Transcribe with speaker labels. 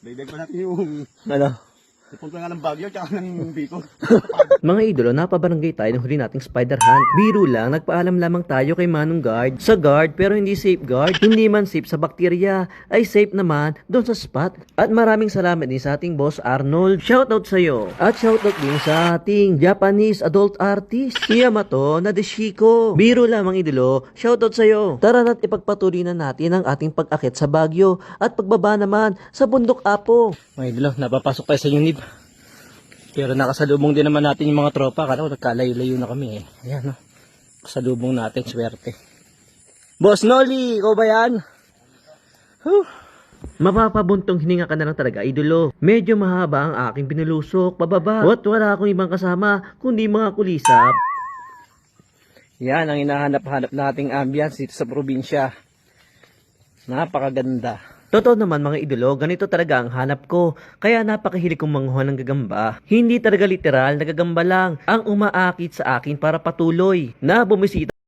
Speaker 1: Dagdag pa natin yung
Speaker 2: Ano?
Speaker 1: pupunta nga ng Baguio tsaka ng Bicol.
Speaker 2: Mga idolo, napabarangay tayo ng huli nating spider hunt. Biro lang, nagpaalam lamang tayo kay Manong Guard. Sa guard, pero hindi safe guard. Hindi man safe sa bakterya, ay safe naman doon sa spot. At maraming salamat din sa ating boss Arnold. Shoutout sa'yo. At shoutout din sa ating Japanese adult artist, Yamato Nadeshiko. Biro lang mga idolo, shoutout sa'yo. Tara na't ipagpatuloy na natin ang ating pag-akit sa Baguio at pagbaba naman sa Bundok Apo. Mga idolo, napapasok tayo sa unib. Pero nakasalubong din naman natin yung mga tropa. Kala ko nagkalayo-layo na kami eh. Ayan, no? Kasalubong natin, swerte. Boss Noli, ikaw ba yan? Huh. Mapapabuntong hininga ka na lang talaga, idolo. Medyo mahaba ang aking pinulusok, pababa. At wala akong ibang kasama, kundi mga kulisap. Yan ang hinahanap-hanap nating ambience dito sa probinsya. Napakaganda. Totoo naman mga idolo, ganito talaga ang hanap ko. Kaya napakahilig kong manguha ng gagamba. Hindi talaga literal na gagamba lang ang umaakit sa akin para patuloy na bumisita